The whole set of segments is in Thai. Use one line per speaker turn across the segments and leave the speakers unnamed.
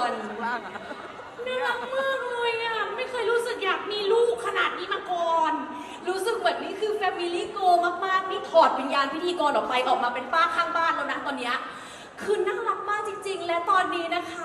น
ล่างอะ
น่ารักมากเลยอ่ะไม่เคยรู้สึกอยากมีลูกขนาดนี้มาก่อนรู้สึกเหมือนนี่คือ Family Go มากๆนี่ถอดวิญญาณพิธีกรออกไปออกมาเป็นป้าข้างบ้านแล้วนะตอนเนี้ยคือน่ารักมากจริงๆและตอนนี้นะคะ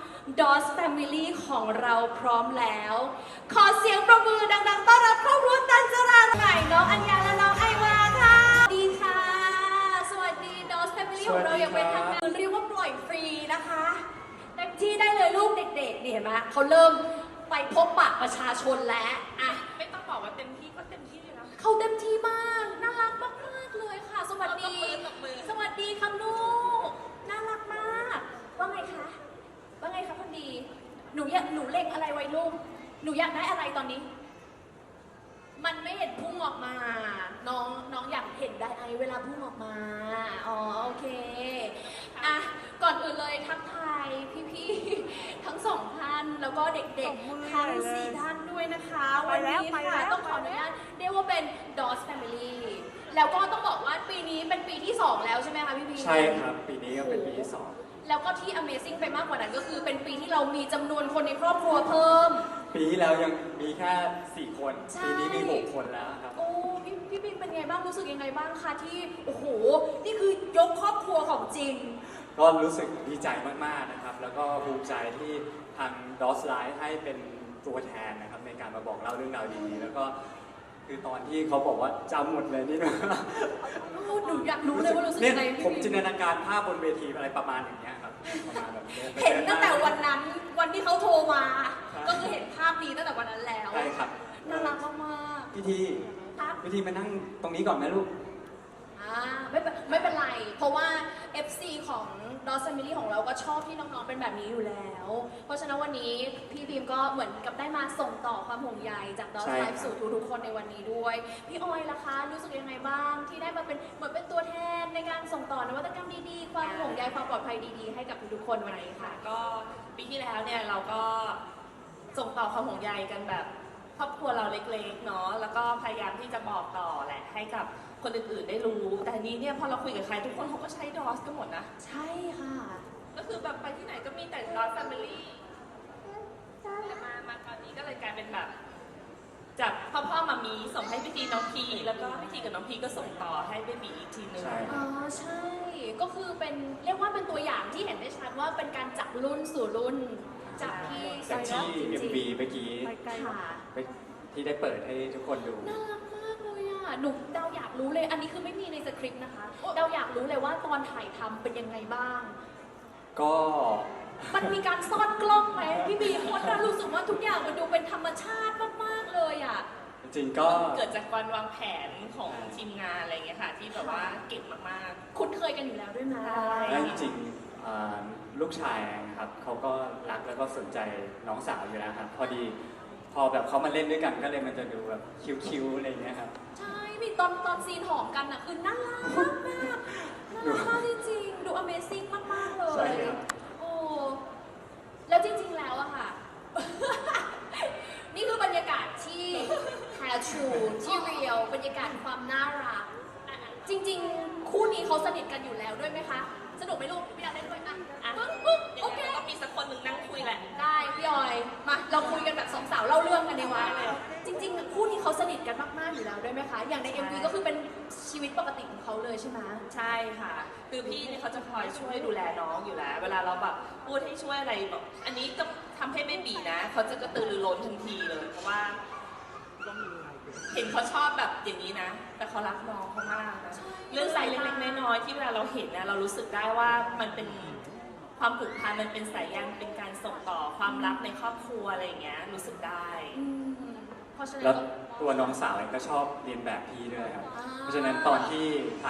DOS Family ของเราพร้อมแล้ว ขอเสียงประมือดังๆต้อนรับครอบครัวตันจราใหม่น้องอัญญาและน้องไอวาค่ะสวัสดีค่ะ สวัสดี DOS Family ของเราอย่างเป็นทางการเรียกว่าปล่อยฟรีนะคะเต็มที่ได้เลยลูกเด็กๆนี่เห็นไหมเขาเริ่มไปพบปะประชาชนแล้วอ่ะ
ไม่ต้องบอกว่าเต็มที่ก็เต็มที่เลยนะ
เขาเต็มที่มากน่ารักมากๆเลยค่ะ สวัสดี
ตบมือ
สวัสดีค่ะลูกน่ารักมากว่าไงคะว่าไงคะคนดีหนูเล็งอะไรไว้ลูกหนูอยากได้อะไรตอนนี้ มันไม่เห็นพุ่งออกมาน้องอยากเห็นได้ไอเวลาพุ่งออกมาอ๋อโอเคอ่ะก่อนอื่นเลยทักทายพี่ๆทั้งสองท่านแล้วก็เด็กๆทั้ง4ท่านด้วยนะคะวันนี้ค่ะต้องขออนุญาตเรียกว่าเป็น DOS Family แล้วก็ต้องบอกว่าปีนี้เป็นปีที่2แล้วใช่ไหมคะพี่พี
ใช่ครับปีนี้ก็เป็นปีที่2
แล้วก็ที่ Amazing ไปมากกว่านั้นก็คือเป็นปีที่เรามีจำนวนคนในครอบครัวเพิ่ม
ปีที่แล้วยังมีแค่4 คน
ใช่
ปีนี้มี6 คนแล้วครับ
โอ้พี่ปิงเป็นไงบ้างรู้สึกยังไงบ้างคะที่โอ้โหนี่คือยกครอบครัวของจริง
ก็รู้สึกดีใจมากๆนะครับแล้วก็ภูมิใจที่ทาง DOS Live ให้เป็นตัวแทนนะครับในการมาบอกเล่าเรื่องราวดีๆแล้วก็คือตอนที่เขาบอกว่าจำหมดเลยนี่นะ
หนูอยากรู้เลยว่ารู้สึกยังไง
ผมจินตนาการภาพบนเวทีอะไรประมาณอย่างเงี้ยครับประมาณแบบ
เห็นตั้งแต่วันนั้นวันที่เขาโทรมาก็คือเห็นภาพนี้ตั้งแต่วันนั้นแล้ว
ใช่ครับ
น่ารักมาก
พิธี
ๆครับ
พิธีมานั่งตรงนี้ก่อนไหมลูก
ไม่เป็นไร เพราะว่า FC ของ DOS Family ของเราก็ชอบที่น้องๆเป็นแบบนี้อยู่แล้ว เพราะฉะนั้นวันนี้พี่บีมก็เหมือนกับได้มาส่งต่อความห่วงใยจาก DOS Live สู่ทุกๆคนในวันนี้ด้วย พี่ออยล่ะคะรู้สึกยังไงบ้างที่ได้มาเป็นเหมือนเป็นตัวแทนในการส่งต่อนวัตกรรมดีๆความห่วงใยความปลอดภัยดีๆให้กับทุกๆคนวันนี้ค่ะ
ก็ปีที่แล้วเนี่ยเราก็ส่งต่อความห่วงใยกันแบบครอบครัวเราเล็กๆเนาะแล้วก็พยายามที่จะบอกต่อแหละให้กับคนอื่นๆได้รู้แต่นี้เนี่ยพอเราคุยกับใครทุกคนเขาก็ใช้ DOS กันหมดนะ
ใช่ค่ะ
ก็คือแบบไปที่ไหนก็มีแต่ DOS Family แต่มาตอนนี้ก็เลยกลายเป็นแบบจากพ่อมามีส่งให้พิธีน้องพีแล้วก็พิธีกับน้องพีก็ส่งต่อให้เบบีอีกทีนึง
อ๋อใช่ก็คือเป็นเรียกว่าเป็นตัวอย่างที่เห็นได้ชัดว่าเป็นการจากรุ่นสู่รุ่นจากที่
จากที่ MV เมื่อกี้ที่ได้เปิดให้ทุกคนดู
น่ารักมากเลยอ่ะหนูเดาอยากรู้เลยอันนี้คือไม่มีในสคริปต์นะคะเดาอยากรู้เลยว่าตอนถ่ายทำเป็นยังไงบ้าง
ก็
มันมีการซ่อนกล้องไหมพี่บีคนเรารู้สึกว่าทุกอย่างมันดูเป็นธรรมชาติมากๆเลยอ่ะ
จริงๆก็
เกิดจากการวางแผนของทีมงานอะไรเงี้ยค่ะที่แบบว่าเก่งมาก
ๆคุ้นเคยกันอยู่แล้วด้วยนะ
และจริงๆลูกชายนะครับเขาก็รักแล้วก็สนใจน้องสาวอยู่แล้วครับพอแบบเขามาเล่นด้วยกันก็เลยมันจะดูแบบคิ้วๆอะไรเงี้ยครับ
ใช่มีตอนซีนหอมกันอ่ะคือน่ารักมากน่ารักมากจริงๆดู Amazing มากๆเลยโอ้แล้วจริงๆแล้วอะค่ะ นี่คือบรรยากาศที่แท้ทรูที่เรียลบรรยากาศความน่ารักจริงๆคู่นี้เขาสนิทกันอยู่แล้วด้วยไหมคะสนุกไหมลูกพี่อยากเล่นด้วยอ่ะปึ๊บโอเค
ก็มีสักคนหนึ่งนั่งคุยแหละ
ได้พี่ออยมาเราคุยกันแบบสองสาวเล่าเรื่องกันดีกว่าจริงๆคู่นี้เขาสนิทกันมากๆอยู่แล้วด้วยไหมคะอย่างใน MV ก็คือเป็นชีวิตปกติของเขาเลยใช่ไหม
ใช่ค่ะคือพี่เนี่ยเขาจะคอยช่วยดูแลน้องอยู่แล้วเวลาเราแบบพูดให้ช่วยอะไรแบบอันนี้จะทำให้เบบีนะเขาจะกระตือรือร้นทันทีเลยเพราะว่าเห็นเขาชอบแบบอย่างนี้นะแต่เขารักน้องเขามากนะเรื่องใส่เล็กๆน้อยๆที่เวลาเราเห็นนะเรารู้สึกได้ว่ามันเป็นความผูกพันมันเป็นสายยันเป็นการส่งต่อความรักในครอบครัวอะไรอย่างเงี้ยรู้สึกได้
แล้วตัวน้องสาวเองก็ชอบเรียนแบบพี่ด้วยครับเพราะฉะนั้นตอนที่ถ่าย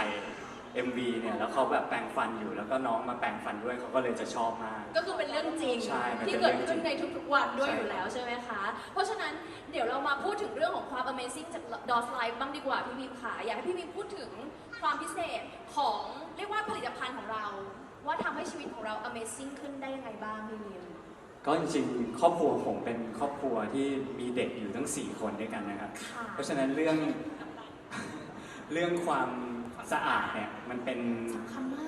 MV เนี่ยแล้วเขาแบบแปรงฟันอยู่แล้วก็น้องมาแปรงฟันด้วยเขาก็เลยจะชอบมาก
ก็คือเป็นเรื่องจริงที่เกิดขึ้นในทุกๆวันด้วยอยู่แล้วใช่ไหมคะเพราะฉะนั้นเดี๋ยวเรามาพูดถึงเรื่องของความ Amazing จาก DOS Live บ้างดีกว่าพี่บีมค่ะอยากให้พี่บีมพูดถึงความพิเศษของเรียกว่าผลิตภัณฑ์ของเราว่าทำให้ชีวิตของเรา Amazing ขึ้นได้ยังไงบ้างพี่บีม
ก็จริงๆครอบครัวผมเป็นครอบครัวที่มีเด็กอยู่ทั้ง4 คนด้วยกันนะครับเพราะฉะนั้นเรื่องความสะอาดเนี่ยมันเป็น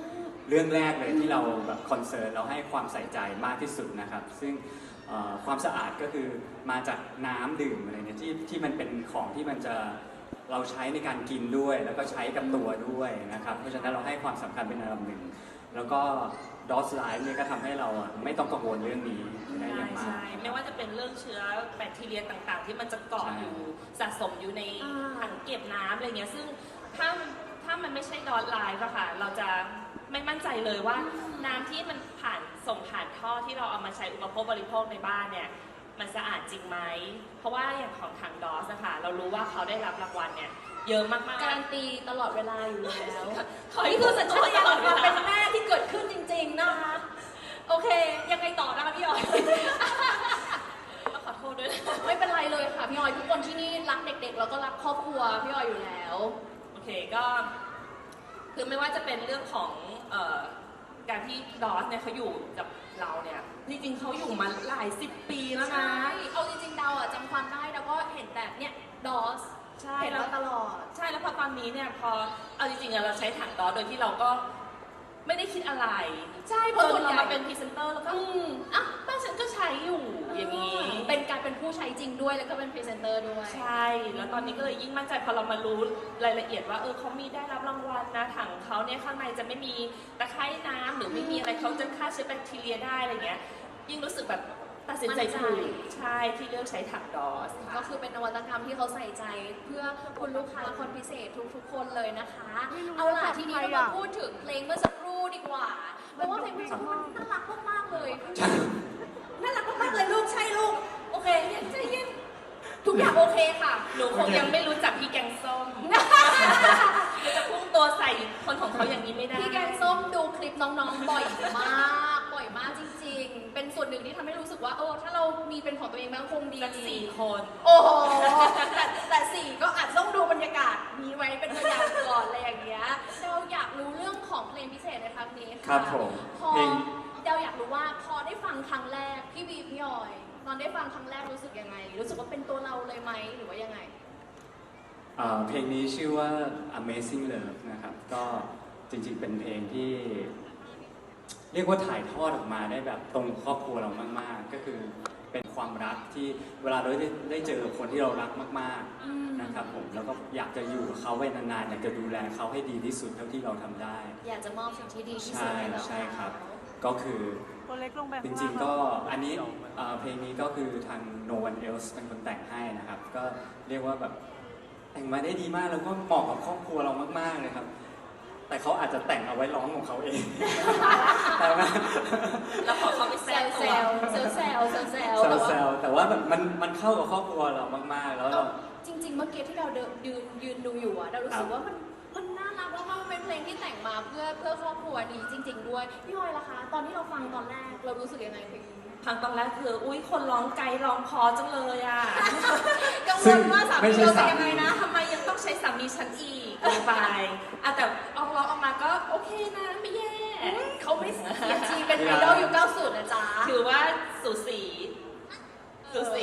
เรื่องแรกเลยที่เราแบบคอนเซิร์นเราให้ความใส่ใจมากที่สุดนะครับซึ่งความสะอาดก็คือมาจากน้ำดื่มอะไรเนี่ยที่มันเป็นของที่มันจะเราใช้ในการกินด้วย แล้วก็ใช้กับตัวด้วยนะครับเพราะฉะนั้นเราให้ความสำคัญเป็นอันดับหนึ่งแล้วก็ดอสไลฟ์เนี่ยก็ทำให้เราไม่ต้องกังวลเรื่องนี้ได้อย่างมาก
ใช่ไม่ว่าจะเป็นเรื่องเชื้อแบคทีเรียต่างๆ ที่มันจะเกาะ
ใช่
อยู่สะสมอยู่ในถังเก็บน้ำอะไรเงี้ยซึ่งถ้ามันไม่ใช่ดอทไลฟ์อะค่ะเราจะไม่มั่นใจเลยว่าน้ำที่มันส่งผ่านท่อที่เราเอามาใช้อุปโภคบริโภคในบ้านเนี่ยมันสะอาดจริงไหมเพราะว่าอย่างของทางดอสนะคะเรารู้ว่าเขาได้รับรางวัลเนี่ยเยอะมากๆ
การันตีตลอดเวลาอยู่แล้ว
ขอให้
นี่คือสัญชาตญาณของความ
พูดตลอดเวลา
เป็นแม่ที่เกิดขึ้นจริงๆนะคะ โอเค ยังไงต่อนะคะพี่ออย
ขอโทษด้วยนะ
ไม่เป็นไรเลยค่ะพี่ออยทุกคนที่นี่รักเด็กๆแล้วก็รักครอบครัวพี่ออยอยู่แล้ว
โอเคก็คือไม่ว่าจะเป็นเรื่องของการที่ดอสเนี่ยเขาอยู่กับเราเนี่ยจริงๆเขาอยู่มาหลาย10 ปีแล้วนะ
ใช่เอาจริงๆดาวอ่ะจำความได้แล้วก็เห็นแต่เนี่ยดอส
ใช่
เห็น
แล้ว
มาตลอด
ใช่แล้วพอตอนนี้เนี่ยพอเอาจริงๆอะเราใช้ถังดอสโดยที่เราก็ไม่ได้คิดอะไร
ใช่เพ
พ
ราะ
อ
ส่วนให
เรา
ญ่
มาเป็นพรีเซนเตอร์แล้วก็อ่ะบ้านฉันก็ใช้อยู่อย่างนี้
เป็นการเป็นผู้ใช้จริงด้วยแล้วก็เป็นพรีเซนเตอร์ด้วย
ใช่ แล้วตอนนี้ก็เลยยิ่งมั่นใจพอเรามารู้รายละเอียดว่าเขามีได้รับรางวัลนะถังเขาเนี่ยข้างในจะไม่มีตะไคร่น้ำหรือไม่มีอะไรเขาจะฆ่าเชื้อแบคทีเรียได้อะไรเงี้ยยิ่งรู้สึกแบบตัดสินใจถูกใช่ที่เลือกใช้ถังดอสค่ะ
ก็คือเป็นนวัตกรรมที่เขาใส่ใจเพื่อคุณลูกค้าคนพิเศษทุกๆคนเลยนะคะ เอาล่ะทีนี้เรามาพูดถึงเพลงเมื่อสักครู่ดีกว่า เพราะว่าเพลงเมื่อสักครู่มันน่ารักมากๆเลยน่ารักมากๆเลยลูกใช่ลูก โอเคใจเย็นทุกอย่างโอเคค่ะ
หนูคงยังไม่รู้จักพี่แกงส้ม จะพุ่งตัวใส่คนของเขาอย่างนี้ไม่ได้
พี่แกงส้มดูคลิปน้องๆบ่อยมากบ่อยมากจริงๆ เป็นส่วนหนึ่งที่ทำให้รู้สึกว่าถ้าเรามีเป็นของตัวเองบ้างคงดี
สัก4 คน
โอ้โหแต่สี่ก็อาจจะต้องดูบรรยากาศนี้ไว้เป็นตัวอย่างก่อนอะไรอย่างเงี้ยเราอยากรู้เรื่องของเพลงพิเศษในครั้งนี้ค่ะ
ครับผม
พอ
เพลง
เราอยากรู้ว่าพอได้ฟังครั้งแรกพี่บีพี่ออย ตอนได้ฟังครั้งแรกรู้สึกยังไง รู้สึกว่าเป็นตัวเราเลยไหมหรือว่ายังไง
เพลงนี้ชื่อว่า Amazing Love นะครับ ก็จริงๆ เป็นเพลงที่ เรียกว่าถ่ายทอดออกมาได้แบบตรงครอบครัวเรามากๆ ก็คือเป็นความรักที่เวลาเราได้เจอคนที่เรารักมากๆนะครับผมแล้วก็อยากจะอยู่กับเขาไว้นานๆอยากจะดูแลเขาให้ดีที่สุดเท่าที่เราทำได้
อยากจะมอบสิ่งที่ดีที่สุด
ใช่
ให้เรา
ใช่ครับ ก็คือ
ตัวเล็กลงแบบ
จริงๆก็อันนี้เพลงนี้ก็คือทาง No One Else เป็นคนแต่งให้นะครับ ก็เรียกว่าแบบแต่งมาได้ดีมากแล้วก็เหมาะกับครอบครัวเรามากๆเลยครับ แต่เขาอาจจะแต่งเอาไว้ร้องของเขาเอง แต่ว่า
แล้วพอเขาไปแซ
แซ
ว
ว
ตัว
แซวแซวแซวแซว
แซวๆแต่ว่าแบบมันเข้ากับครอบครัวเรามากๆ แล้วเรา
จริงๆ เมื่อกี้ที่เรายืนดูอยู่อะเรารู้สึกว่ามันน่ารักมากๆมันเป็นเพลงที่แต่งมาเพื่อครอบครัวนี้จริง ๆ ด้วย พี่ออยล่ะคะ ตอนที่เราฟังตอนแรกเรารู้สึกยังไงเพลงนี้
พังตอนแรกคืออุ้ยคนร้องไกด์ร้องพอจังเลยอ่ะ
กังวลว่าสา
ไม่
มี
ใช่
เราจะ
สามี
ยังไงนะ
ทำไมยังต้องใช้สามีฉันอีกลงไปอ่ะแต่เอาร้องออกมาก็โอเคนะไม่แย่
เขาไม่เสียทีเป็นไอดอลยุค90นะจ๊ะ
ถือว่าสูสีสูสี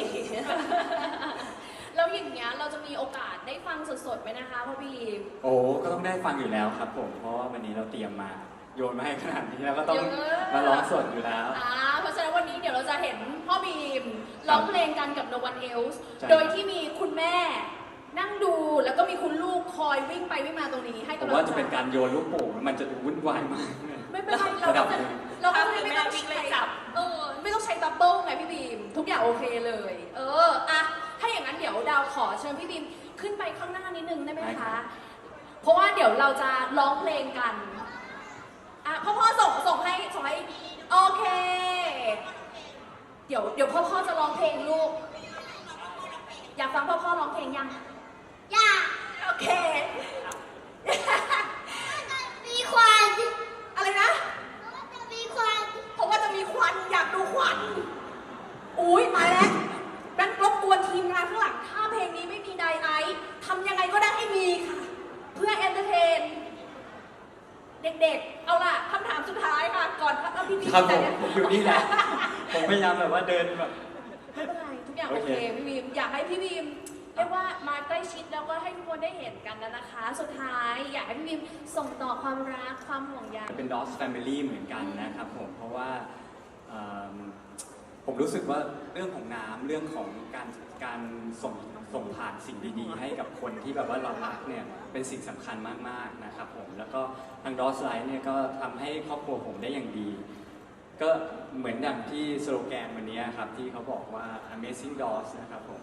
แล้วอย่างเงี้ยเราจะมีโอกาสได้ฟังสดๆไหมนะคะพ่อบีม
โอ้ก็ต้องได้ฟังอยู่แล้วครับผม เพราะว่าวันนี้เราเตรียมมาโยนมาให้ขนาดนี้แล้วก็ต้อง
เยอะ
มาร้องสดอยู่แล้ว
เพราะฉะนั้นวันนี้เดี๋ยวเราจะเห็นพ่อบีมร้องเพลงกันกับ No One Else
ใช่
โดยที่มีคุณแม่นั่งดูแล้วก็มีคุณลูกคอยวิ่งไปวิ่งมาตรงนี้ให้
ผม
กำลั
ว่าง
ใจ
จะเป็นการโยนลูกโป่งมันจะดูวุ่นวายมาก
ไม่เป็นไรเรา
ระดั
ก็
บ
จะ
หนึ่ง
เราก็
ถ้า
จะ
คือ
ไม่
แม่
ต้อง
วิ่ง
ใช้
เลยจับ
ไม่ต้องใช้ดับเบิลไงพี่บีม ทุกอย่างโอเคเลย อะถ้าอย่างนั้นเดี๋ยวดาวขอเชิญพี่บีมขึ้นไปข้างหน้านิดนึงได้ไหม
ได้ครั
คะ
บ
เพราะว่าเดี๋ยวเราจะร้องเพลงกันพ่อส่งให้โอเค เดี๋ยวพ่อจะร้องเพลงลูก อยากฟังพ่อร้องเพลงยังอยากโอเค
มีควัน
อะไรนะ
จะมีควัน
เพราะว่าจะมีควันอยากดูควัน อุ้ยมาแล้วนั่นรบกวนทีมงานข้างหลัง ถ้าเพลงนี้ไม่มีไดไอซ์ทำยังไงก็ได้ให้มีค่ะ เพื่อเอนเตอร์เทน เด็กๆ เอาล่ะคำถามสุดท้ายค่ะ ก่อนเอาพี่
ครับผมอยู่นี่แหละ ผมพยายามแบบว่าเดินแบบ
ไม่เป็นไร ทุกอย่าง
โอ
โอ
เค
เค พี่บีม อยากให้พี่บีมเรียกว่ามาใกล้ชิดแล้วก็ให้ทุกคนได้เห็นกันแล้วนะคะ สุดท้ายอยากให้พี่บีมส่งต่อความรักความห่วงใย
เป็น DOS Family เหมือนกันนะครับผมเพราะว่าผมรู้สึกว่าเรื่องของน้ำเรื่องของการส่งผ่านสิ่งดีๆ ให้กับคนที่แบบว่าเรารักเนี่ยเป็นสิ่งสำคัญมากๆนะครับผมแล้วก็ทาง DOS Life เนี่ยก็ทำให้ครอบครัวผมได้อย่างดี ก็เหมือนอย่างที่สโลแกนวันนี้ครับที่เขาบอกว่า Amazing DOS นะครับผม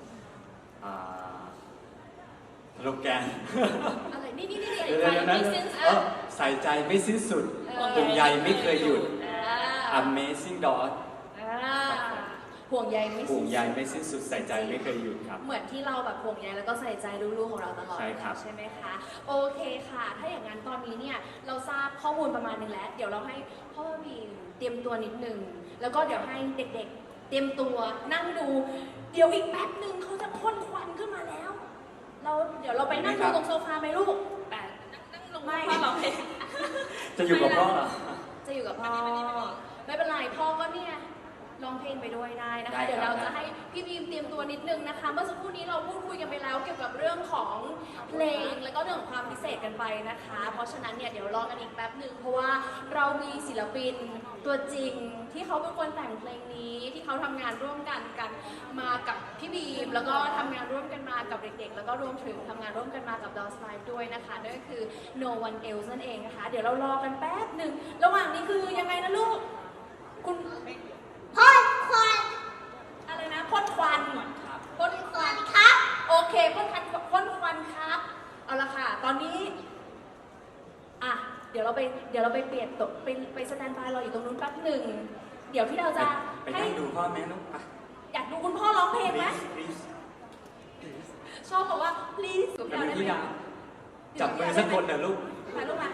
สโลแกน
อะไรนี่
เดี๋ยวนะใส่ใจไม่สิ้นสุดห่วงใยไม่เคยหยุด Amazing DOS
ห่วงใยไม่
ห่ว
สิ้
ง
น
ใย
สุด
ไม่สิ้นสุดใส่ใจไม่เคยหยุดครับ
เหมือนที่เราแบบห่วงใยแล้วก็ใส่ใจลูกๆของเราตลอด
ใช่ครับ
ใช่ไหมคะ โอเคค่ะ ถ้าอย่างนั้นตอนนี้เนี่ยเราทราบข้อมูลประมาณนึงแล้ว เดี๋ยวเราให้พ่อบีมเตรียมตัวนิดนึง แล้วก็เดี๋ยวให้เด็กๆ เตรียมตัวนั่งดู เดี๋ยวอีกแป๊บนึงเขาจะพ่นควันขึ้นมาแล้ว เดี๋ยวเราไปนั่งดูตรงโซฟาไหมลูก
แต่นั่งลงมาพ่อร้องเพลง
จะอยู่กับพ่อเหรอ
จะอยู่กับพ่อ ไม่เป็นไรพ่อก็เนี่ยร้องเพลงไปด้วยได้นะ
ได้ครับ
คะเดี๋ยวเราจะให้พี่บีมเตรียมตัวนิดนึงนะคะ เมื่อสักครู่นี้เราพูดคุยกันไปแล้วเกี่ยวกับเรื่องของเพลงแล้วก็เรื่องของความพิเศษกันไปนะคะ เพราะฉะนั้นเนี่ยเดี๋ยวรอกันอีกแป๊บหนึ่งเพราะว่าเรามีศิลปินตัวจริงที่เขาเป็นคนแต่งเพลงนี้ที่เขาทำงานร่วมกันมากับพี่บีมแล้วก็ทำงานร่วมกันมากับเด็กๆแล้วก็รวมถึงทำงานร่วมกันมากับ DOS Life ด้วยนะคะนั่นก็คือ No One Else นั่นเองนะคะเดี๋ยวเรารอกันแป๊บหนึ่งระหว่างนี้คือยังไงนะลูกคุณ
พ่นควัน
อะไรนะพ่นควันพ่นควัน
ครับ
โอเคพ่นควันครับเอาละค่ะ ตอนนี้อ่ะเดี๋ยวเราไปเปลี่ยนตกไปสแตนบายรออยู่ตรงนู้นแป๊บหนึ่งเดี๋ยวที่เราจะ
ไป
ให้
นั่งดูพ่อแม่ลูกไป
อยากดูคุณพ่อร้องเพลงไหม
please
ชอบบอกว่า please กับ
จะ
เรา
มี
ได้
ที่
ไหม
ดาจับมือสักคนเถอะลูก
มาลูกมา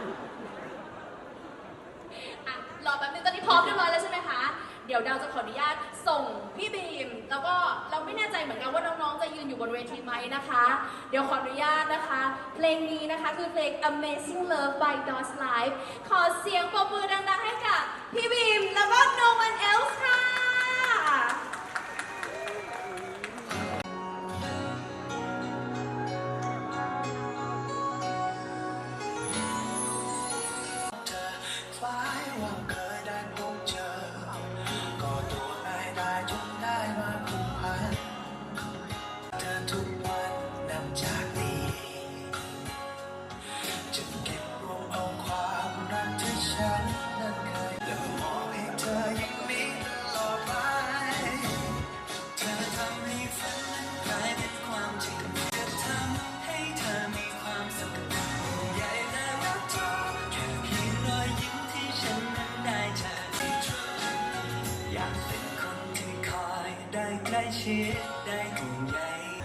อ่ะรอแป๊บนึงตอนนี้พร้อมเรียบร้อยแล้วใช่ไหมคะ เดี๋ยวดาวจะขออนุญาตส่งพี่บีม แล้วก็เราไม่แน่ใจเหมือนกันว่าน้องๆ จะยืนอยู่บนเวทีไหมนะคะ เดี๋ยวขออนุญาตนะคะ เพลงนี้นะคะคือเพลง Amazing Love by DOS Life ขอเสียงปรบมือดังๆให้กับพี่บีม แล้วก็ No One Else ค่ะ
คล้ายว่าเคยได้พบเจอ ก็ตัวง่ายได้จนได้มาผูกพันเธอทุกวันนับจากนี้จะเก็บรวมเอาความรักที่ฉันนั้นเคยแล้วมอบให้เธออย่างนี้ตลอดไปเธอทำให้ฝันนั้นกลายเป็นความจริงจะทำให้เธอมีความสุขใหญ่และรักเธอแค่เพียงรอยยิ้มที่ฉันนั้นได้เจออยากเป็นคนที่คอยได้ใกล้ชิดได้ห่วงใย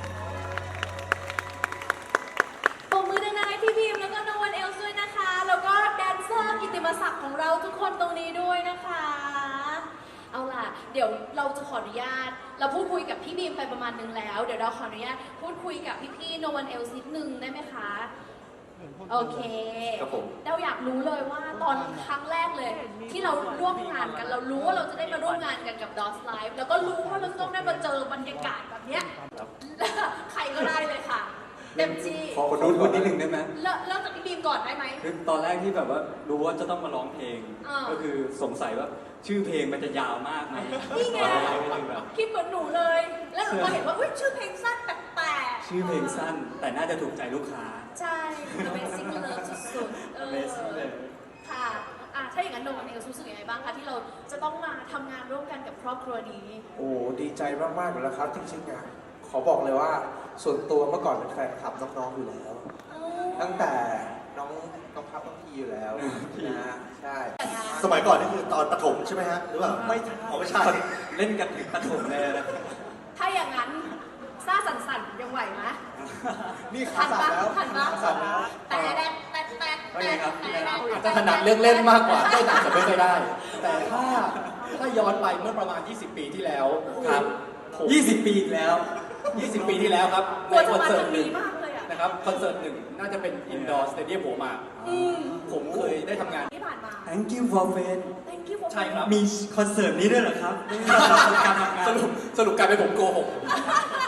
ปรบมือดังๆให้พี่บีมแล้วก็ No One Else ด้วยนะคะ แล้วก็แดนเซอร์กิตติมศักดิ์ของเราทุกคนตรงนี้ด้วยนะคะ เอาล่ะ เดี๋ยวเราจะขออนุญาต เราพูดคุยกับพี่บีมไปประมาณนึงแล้ว เดี๋ยวเราขออนุญาตพูดคุยกับพี่ๆ No One Else นิดนึงได้ไหมคะ โอเค
ครับผม
เราอยากรู้เลยว่าตอนครั้งแรกเลย ที่เราร่วมงานกัน เรารู้ว่าเราจะได้มาร่วมงานกันกับ DOS Life แล้วก็รู้ว่าเราจะต้องได้มาเจอบรรยากาศแบบเนี้ย
ครับ
ใครก็ได้เลยค่ะ เต็มที่
ขอพูดนิดนึงได้ไหม
เริ่มจากพี่บีมก่อนได้ไหม
คือตอนแรกที่แบบว่ารู้ว่าจะต้องมาร้องเพลง
อ่า
ก็คือสงสัยว่าชื่อเพลงมันจะยาวมากไหม
นี่ไง
ตอนแรกก็เลยแบบ
คิดเหมือนหนูเลย แล้วหนูก็เห็นว่าอุ้ยชื่อเพลงสั้นแปลก
ชื่อเพลงสั้น แต่น่าจะถูกใจลูกค้า
ๆใช่ Amazing Love สุดๆ
Amazing เลย
ค่ะถ้าอย่างนั้นโนวันเองรู้สึกยังไงบ้างคะที่เราจะต้องมาทำงานร่วมกันกับครอบครัวนี้
โอ้ดีใจมากๆอยู่แล้วครับจริงๆอ่ะขอบอกเลยว่าส่วนตัวเมื่อก่อนเป็นแฟนคลับน้องๆอยู่แล้ว ตั้งแต่น้องพับน้องพีอยู่แล้วนะฮะใช่
สมัยก่อนนี่คือตอนประถมใช่ไหมฮะหรือเปล่า
ไม่ใช่
อ๋อไม่ใช่
เล่นกันถึงปฐมเลยนะ
ถ้าอย่างนั้นซ่าสั่นๆยังไหวไหม
นี่ขาสั่นแล้ว
ทันปะ
ขาสั่นแล้ว
แต่แดดแต่
ว่าไงครับพี่แม่
อาจจะถนัดเรื่องเล่นมากกว่าเต้นอาจจะไม่ค่อยได้ แต่ถ้าย้อนไปเมื่อประมาณ 20 ปีที่แล้ว
ครับ
ผม
20 ปีอีกแล้ว
20 ปีที่แล้วครับ
กลัว
ใน
จะ
คอน
มา
เสิร์
ทา
ต
ง
หนึ่
นี้
ง
มากเลยอ่ะ
นะครับคอนเสิร์ตหนึ่งน่าจะเป็นอินดอร์สเตเดียมหัวหมาก
อืม
ผมเคยได้ทำงาน
ที่ผ่านมา
Thank you for friend
Thank you for
ใช่ครับ
มีคอนเสิร์ตนี้ด้วยเหรอครับการทำงาน
สรุปกลายเป็นผมโกหก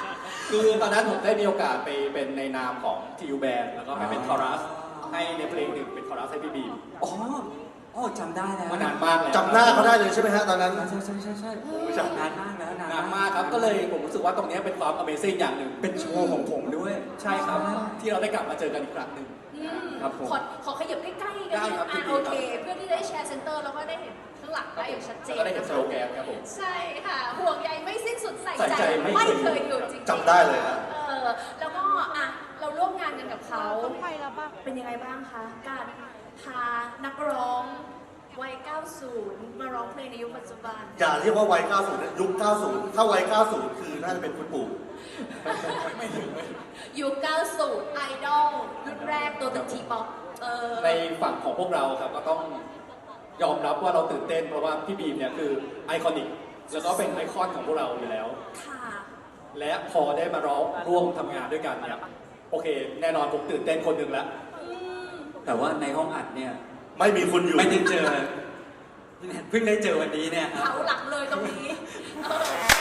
คือตอนนั้นผมได้มีโอกาสไปเป็นในนามของทียูแบนแล้วก็ไปเป็นคอรัสให้ในเพลงหนึ่งเป็นคอรัสให้พี่บีม
อ๋ออ๋อจำได้แล้ว
มานานมากแล้ว
จำหน้าเขาได้เลยใช่ไหมฮะตอนนั้น
ใช่นานมากแล้ว
นานมากครับก็เลยผมรู้สึกว่าตรงนี้เป็นความ Amazing อย่างหนึ่ง
เป็นโชว์ของผมด้วย
ใช่ครับที่เราได้กลับมาเจอกันอีกครั้งหนึ่ง
ครับผม
ขอขยับใกล้ๆกัน
ได้ครับ
โอเค เพื่อที่ได้แชร์เซ็นเตอร์แล้วก็ได้เห็นข้างหลังได้อย่างชัดเจ
แล้ว
น
ก็ได้เห็น
นะ
ส
คะ
โลแกนครับผม
ใช่ค่ะห่วงใยไม่สิ้นสุดใส่
ใส่
ใจ
ใจไม่
ไม่
เค
เค
ย
ยหยุดจริงๆ
จำได้เลยฮะ
แล้วก็อ่ะเราร่วมงานกันกับเขาเป็นยังไงบ้างคะการพานักร้องวัย 90 มาร้องเพลงในยุคปัจจุบัน
อย่าเรียกว่าวัย 90นะยุค 90 ถ้าวัย 90 คือน่าจะเป็นคุณปู่
ไม่ถึง
ยุค 90 ไอดอลรุ่นแรกตัวตึกทีป๊อป
ในฝั่งของพวกเราครับก็ต้องยอมรับว่าเราตื่นเต้นเพราะว่าพี่บีมเนี่ยคือไอคอนิกแล้วก็เป็นไอคอนของพวกเราอยู่แล้ว
ค่ะ
และพอได้มาร้องร่วมทำงานด้วยกันเนี่ยโอเค แน่นอนผมตื่นเต้นคนหนึ่งแล้ว
แต่ว่าในห้องอัดเนี่ย
ไม่มีคุณอยู่
ไม่ได้เจอ เพิ่งได้เจอวันนี้เนี่ยครับ
เขาหลักเลยตรงนี้